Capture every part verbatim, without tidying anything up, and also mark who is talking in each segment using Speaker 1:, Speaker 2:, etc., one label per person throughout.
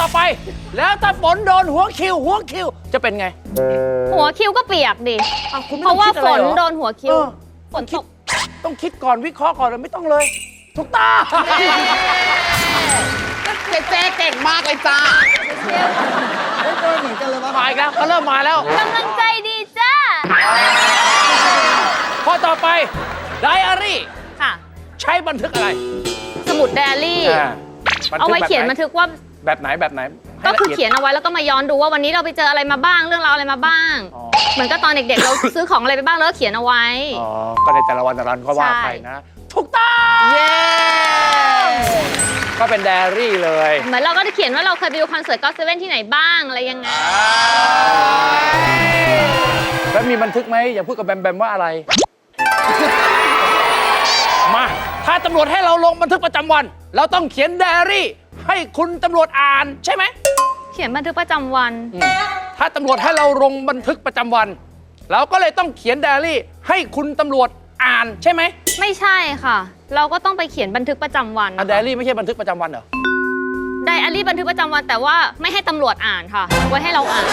Speaker 1: ไปแล้วถ้าฝนโดนหัวคิวหัวคิวจะเป็นไง
Speaker 2: หัวคิวก็เปียกดิเพราะว่าฝนโดนหัวคิวฝนตก
Speaker 1: ต้องคิดก่อนวิเคราะห์ก่อนเลยไม่ต้องเลยทุกตา
Speaker 3: เจ๊เจ๊เก่งมากเลยจ้า
Speaker 4: เจอเหมือนกันเลยว่า
Speaker 1: มาอีกแล้วเขาเริ่มมาแล้ว
Speaker 2: กำลังใจดีจ้า
Speaker 1: ข้อต่อไปไดอารี่
Speaker 2: ค่ะ
Speaker 1: ใช้บันทึกอะไร
Speaker 2: สมุดไดอารี่เอาไว้เขียนบันทึกว่า
Speaker 1: แบบไหนแบบไหน
Speaker 2: ก็คือเขียนเอาไว้แล้วก็มาย้อนดูว่าวันนี้เราไปเจออะไรมาบ้างเรื่องราวอะไรมาบ้างเหมือนก็ตอนเด็กๆเราซื้อของอะไรไปบ้างแล้วเขียนเอาไว้
Speaker 1: อ๋อก็ในแต่ละวันแต่ละวันก็ว่าไปนะถูกต้องเย้ก็เป็นไดอารี่เลย
Speaker 2: เหมือนเราก็จะเขียนว่าเราเคยไปดูคอนเสิร์ตก็อตเซเว่นที่ไหนบ้างอะไรยังไง
Speaker 1: แล้วมีบันทึกไหมอย่าพูดกับแบมแบมว่าอะไรมาถ้าตำรวจให้เราลงบันทึกประจำวันเราต้องเขียนไดอารี่ให้คุณตำรวจอ่านใช่ไหม
Speaker 2: เขียนบันทึกประจำวัน
Speaker 1: ถ้าตำรวจให้เราลงบันทึกประจำวันเราก็เลยต้องเขียนไดอารี่ให้คุณตำรวจอ่านใช่ไหม
Speaker 2: ไม่ใช่ค่ะเราก็ต้องไปเขียนบันทึกประจำวัน
Speaker 1: ไดอารี่ไม่ใช่บันทึกประจำวันเหรอ
Speaker 2: ไดอารี่บันทึกประจำวันแต่ว่าไม่ให้ตำรวจอ่านค่ะไว้ให้เราอ่าน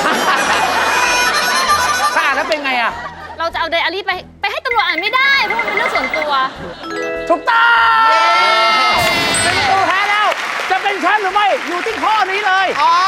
Speaker 1: ถ้าอ่านแล้วเป็นไงอะ
Speaker 2: เราจะเอาไดอารี่ไปไปให้ตำรวจอ่านไม่ได้เพราะมันเป็นเรื่องส่วนตัว
Speaker 1: ถูกต้องเป็นตัวแพ้แล้วจะเป็นแชมป์หรือไม่อยู่ที่ข้อนี้เลย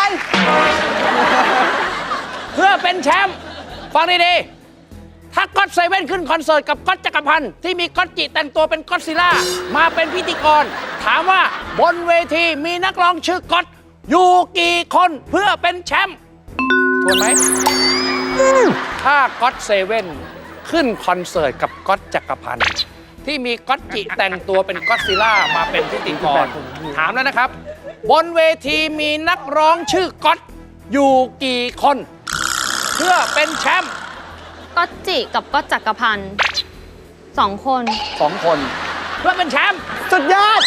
Speaker 1: เพื่อเป็นแชมป์ฟังดีๆถ้าก็อตเซเว่นขึ้นคอนเสิร์ตกับก๊อตจักรพันธ์ที่มีก๊อตจิแต่งตัวเป็นก๊อตซิลล่ามาเป็นพิธีกรถามว่าบนเวทีมีนักร้องชื่อก๊อตอยู่กี่คนเพื่อเป็นแชมป์ถูกไหมถ้าก็อตเซเว่นขึ้นคอนเสิร์ตกับก๊อตจักรพันธ์ที่มีก๊อตจิแต่งตัวเป็นก๊อตซิลล่ามาเป็นพิธีกรถามแล้วนะครับบนเวทีมีนักร้องชื่อก๊อตอยู่กี่คนเพื่อเป็นแชมป์
Speaker 2: ก๊อตจิกับก๊อตจักรพันธ์สองคน
Speaker 1: สองคนเพื่อเป็นแชมป์
Speaker 4: สุดยอด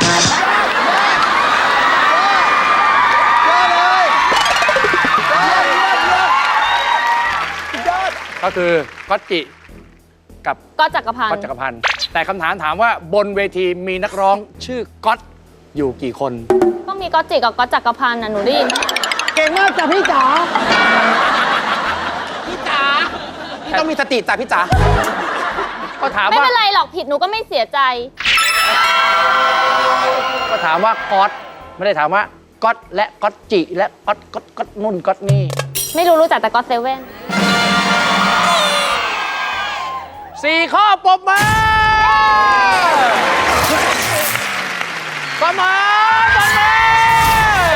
Speaker 1: ก็คือก๊อตจิกับ
Speaker 2: ก๊อตจักรพันธ์
Speaker 1: ก๊อตจักรพันธ์แต่คำถามถามว่าบนเวทีมีนักร้องชื่อก๊อตอยู่กี่คน
Speaker 2: ก็มีก๊อตจิกับก๊อตจักรพันธ์นะหนูได้ยิน
Speaker 4: เก่งมากจ้ะพี่จ๋า
Speaker 3: พี่จ๋าพี่ต้องมีสติจ้ะพี่จ๋า
Speaker 1: ก็ถามว่า
Speaker 2: ไม่เป็นไรหรอกผิดหนูก็ไม่เสียใจ
Speaker 1: ก็ถามว่าก๊อตไม่ได้ถามว่าก๊อตและก๊อตจิและก๊อตก๊อตก๊อตนุ่นก๊อตนี่
Speaker 2: ไม่รู้รู้จักแต่ก๊อตเซเว่น
Speaker 1: สี่ข้อปรบมือประมาณประมาณ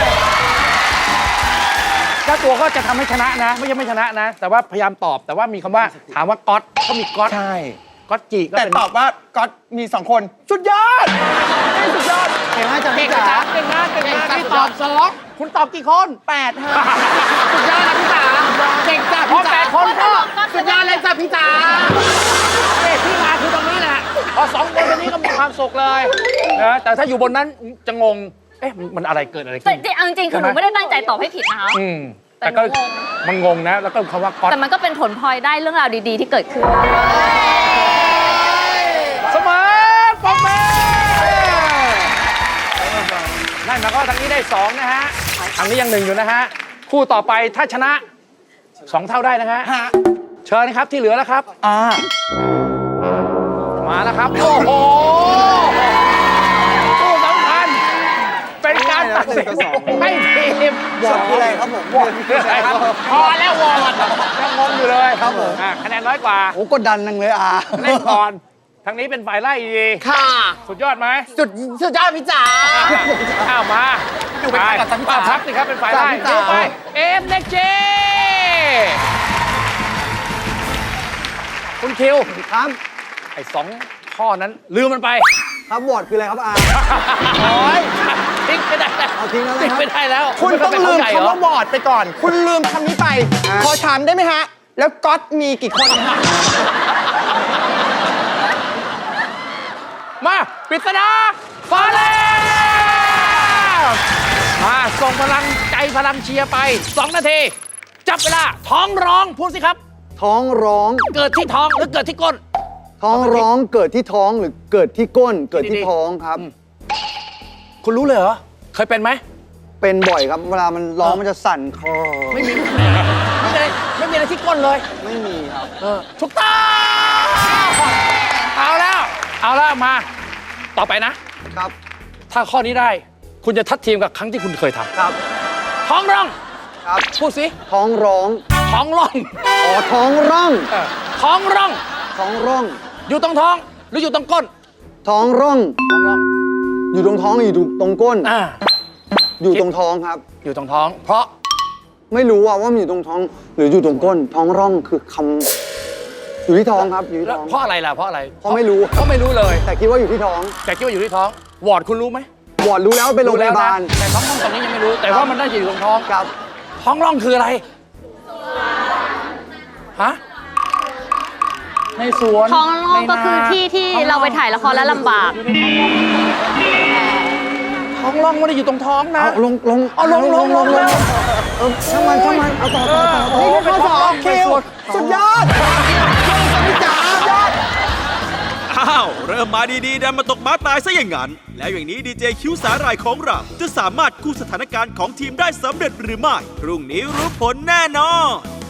Speaker 1: ถ้าตัวก็จะทำให้ชนะนะไม่ใช่ไม่ชนะนะแต่ว่าพยายามตอบแต่ว่ามีคำว่าถามว่าก๊อตเขามีก๊อต
Speaker 4: ใช่
Speaker 1: ก๊อตจิก็
Speaker 4: แต่ตอบว่าก๊อตมีสองคนสุดยอดสุดยอดเก่งมากจ้ะพี่จ๋า
Speaker 1: เก่งมากเก่งมากพี่ตอบสองคุณตอบกี่คน
Speaker 4: แปดฮะ
Speaker 3: สุดยอดนะพี่จ๋าเก่งจ้ะพี่จ๋า
Speaker 1: แปดคนก็
Speaker 3: สุดยอดเลยจ้ะพี่จ๋า
Speaker 1: ที่มาคือตรงนี้แหละพอสองคนตรงนี้ก็มีความสุขเลยนะแต่ถ้าอยู่บนนั้นจะงงเอ๊ะมันอะไรเกิดอะไรขึ้น
Speaker 2: แต่จริงๆคือหนูไม่ได้ตั้งใจตอบให้ผิดนะคะ
Speaker 1: แต่ก็มันงงนะแล้วก็คำว่าก๊อต
Speaker 2: แต่มันก็เป็นผลพลอยได้เรื่องราวดีๆที่เกิดขึ้น
Speaker 1: เสมอปมเป้นั่นหมายความว่าทางนี้ได้สองนะฮะทางนี้ยังหนึ่งอยู่นะฮะคู่ต่อไปถ้าชนะสองเท่าได้นะฮะเชิญนะครับที่เหลือแล้วครับ
Speaker 4: อ่า
Speaker 1: มาแล้วครับโอ้โหคู่สำคัญเป็นการตัดสินให้ทีม
Speaker 4: วอร์ดอะไรครับผมวอร์ด
Speaker 1: อะไรครับพอแล้ววอร์ดยังงงอยู่เลย
Speaker 4: ครับผม
Speaker 1: คะแนนน้อยกว่า
Speaker 4: โอ้กดดันนังเลยอ่ะ
Speaker 1: เล่นก่อนทางนี้เป็นฝ่ายไล่ดี
Speaker 3: ค่ะ
Speaker 1: สุดยอดไหม
Speaker 3: สุดสุดยอดพี่จ๋า
Speaker 1: อ้าวมา
Speaker 3: อยู่เป็นฝ่ายกับพี่จ๋า
Speaker 1: พักสิครับเป็นฝ่ายไล่ดูไปเอ็มเน็กเจคุณคิว
Speaker 4: ครับ
Speaker 1: ไอ้สองข้อนั้นลืมมันไป
Speaker 4: ครับวอร์ดคืออะไรครับอา
Speaker 1: โอ้ยทิ้งไม่ได้แล้ว
Speaker 4: เอาทิ้งแล้ว
Speaker 1: ทิ้งไม่ได้แล้ว
Speaker 3: คุณต้องลืมคำว่าวอร์ดไปก่อนคุณลืมคำนี้ไปขอถามได้ไหมฮะแล้วก๊อตมีกี่คนฮะ
Speaker 1: มาปริศนาฟ้าแลบมาส่งพลังใจพลังเชียร์ไปสองนาทีจับเวลาท้องร้องพูดสิครับ
Speaker 4: ท้องร้อง
Speaker 1: เกิดที่ท้องหรือเกิดที่ก้น
Speaker 4: ท้องร้องเกิดที่ท้องหรือเกิดที่ก้นเกิดที่ท้องครับ
Speaker 1: คุณรู้เลยเหรอเคยเป็นไหม
Speaker 4: เ
Speaker 5: เป็นบ่อยครับ เวลามันร้องมันจะสั่นคอ
Speaker 1: ไม่มีไม่มีอะไรไม่มีอะไรที่ก้นเลย
Speaker 5: ไม่มีครับ
Speaker 1: เออถูกต้องเอาแล้ว เอาแล้วมา ต่อไปนะ
Speaker 5: ครับ
Speaker 1: ถ้าข้อนี้ได้ คุณจะทัดทีมกับครั้งที่คุณเคยท
Speaker 5: ครับ
Speaker 1: ำท้องร่อง
Speaker 5: ครับ
Speaker 1: พูดสิ
Speaker 5: ท้องร้อง
Speaker 1: ท้องร่อง
Speaker 5: อ๋อ ท้องร่อง
Speaker 1: เออท้องร่อง
Speaker 5: ท้องร่อง
Speaker 1: อยู่ตรงท้อง หรืออยู่ตรงก้น
Speaker 5: ท้องร่อง
Speaker 1: ท้องร่อง
Speaker 5: อยู่ตรงท้องอยู่ตรงก้น
Speaker 1: อ่า
Speaker 5: อยู่ตรงท้องครับ
Speaker 1: อยู่ตรงท้อง เพราะ
Speaker 5: ไม่รู้ว่าว่ามันอยู่ตรงท้อง หรืออยู่ตรงก้น ท้องร่องคือคำอยู่ที่ท้องครับ อยู่ที่
Speaker 1: แล้ว
Speaker 5: ท้อง
Speaker 1: เพราะอะไรล่ะ เพราะอะไร
Speaker 5: เพราะไม่รู้
Speaker 1: เพราะไม่รู้เลย
Speaker 5: แต่คิดว่าอยู่ที่ท้อง
Speaker 1: แต่คิดว่าอยู่ที่ท้อง วอร์ดคุณรู้ไหม
Speaker 5: วอร์ดรู้แล้วว่าเป็นโรงพยาบาล
Speaker 1: แต่ท้องร่องตอนนี้ยังไม่รู้ แต่ว่ามันน่าจะอยู่ตรงท้อง
Speaker 5: ครับ
Speaker 1: ท้องร่องคืออะไร ฮะ ในสวน
Speaker 2: ท้องร่องก็คือ
Speaker 1: ในนา
Speaker 2: ที่ที่
Speaker 1: ท้อง
Speaker 2: เราไปถ่ายละครแล้วลำบาก
Speaker 1: ท้องร่องไม่ได้อยู่ตรงท้องนะ
Speaker 5: เอาลงลง
Speaker 1: เอาลงลงลงลง
Speaker 5: เออช่างมันช่างมันเอาต่อต่อต่อต่อ
Speaker 1: นี่คือข้อสองคิว
Speaker 3: สุดยอดพี่จ๋ายอด
Speaker 6: อ้าว เริ่มมาดีๆดันมาตกม้าตายซะอย่างนั้น แล้วอย่างนี้ดีเจคิวสาหร่ายของเรา จะสามารถกู้สถานการณ์ของทีมได้สำเร็จหรือไม่ พรุ่งนี้รู้ผลแน่นอน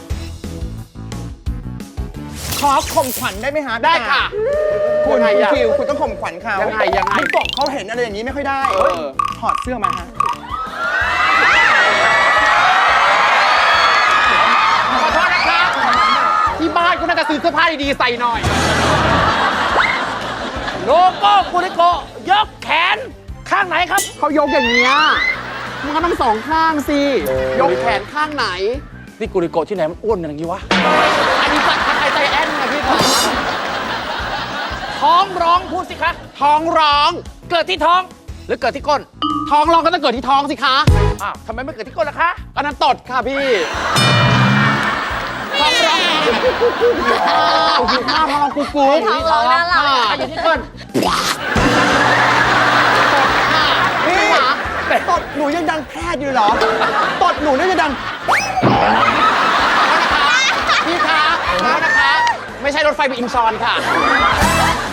Speaker 3: ขอข่มขวัญได้ไหมฮะ
Speaker 4: ได้ค่ะ
Speaker 3: คุณ
Speaker 4: ยังไง
Speaker 3: คุณ
Speaker 4: อะ
Speaker 3: คิวคุณต้องข่มขวัญเขา
Speaker 4: ยังไงยังไง
Speaker 3: คุณกบเขาเห็นอะไรอย่างนี้ไม่ค่อยได้ถอดเสื้อมาฮะ
Speaker 4: ขอโทษนะคะที่บ้านก็น่าจะซื้อเสื้อผ้าดีๆใส่หน่อย
Speaker 1: โลโก้กุลิโกยกแขนข้างไหนครับ
Speaker 4: เขายกอย่างเงี้ยมันก็ต้องสองข้างสิ ยกแขนข้างไหน
Speaker 1: นี่กุลิโกที่ไหนมันอ้วนอย่างนี้วะ
Speaker 4: อันนี้จะไทยใจแอนนะพี่คะ
Speaker 1: ท้องร้องพูดสิคะ
Speaker 4: ท้องร้อง
Speaker 1: เกิดที่ท้อง หรือเกิดที่ก้น
Speaker 4: ท้องร้องก็ต้องเกิดที่ท้องสิคะ
Speaker 1: อ้าวทำไมไม่เกิดที่ก้นล่ะคะ
Speaker 4: อันนั้นตดค่ะพี่ ท้องร้องอ้าวหิวข้าวท้องร้องกุ๊กกุ๊ก
Speaker 2: ท้องร้องน่ารัก
Speaker 4: ค่ะ
Speaker 1: อ่ะอยู่ที่ก้น
Speaker 3: นี่ตดหนูยังดังแพร่อยู่เหรอ ตดหนูน่าจะดัง
Speaker 4: พี่คะขอโทษนะคะ ไม่ใช่รถไฟไปอินชอนค่ะ